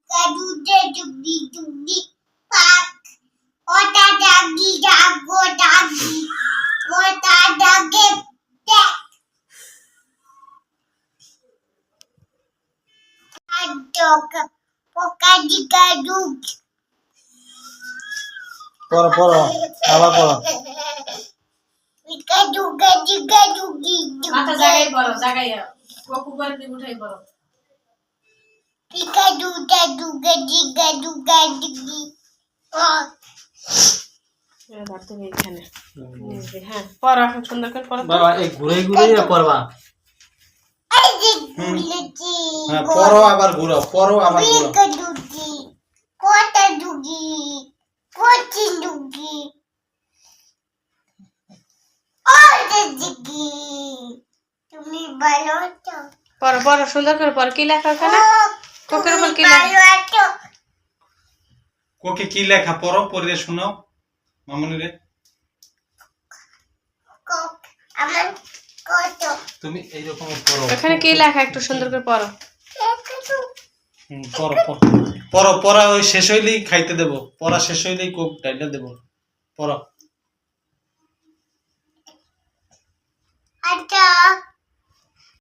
Kadude dugdi dugdi pak. Ota dagi dago dagi. Ota dagi tek. Adok. Poka diga dug. পড়ো আবার পড়ো Ika duga diga dugi dug. মাথা জায়গায় বলো জায়গায় কপু করে দিয়ে উঠাই বলো Ika duga duga diga duga dugi. Oh. ধরতে নেই এখানে হ্যাঁ পড়ো এখন সুন্দর করে পড়ো বাবা এই ঘুরে ঘুরে পড়বা Ay dugi. হ্যাঁ পড়ো আবার ঘুরো পড়ো আবার ঘুরো Ika dugi. Kota dugi. Koti dugi. Oh dugi. Tumi balo to. পড়ো পড়ো সুন্দর করে পড়ো কি লেখা ওখানে কোকের উপর কি লেখা Balo to. কোকে কি লেখা পড়ো পড়ে শোনাও মামুনি রে Kok. Aman koto. তুমি এই রকম পড়ো ওখানে কি লেখা একটু সুন্দর করে পড়ো পড়ো পড়ো পড়া ওই শেষ হইলেই খাইতে দেব পড়া শেষ হইলেই কোক ডাইলা দেব পড়ো Ada.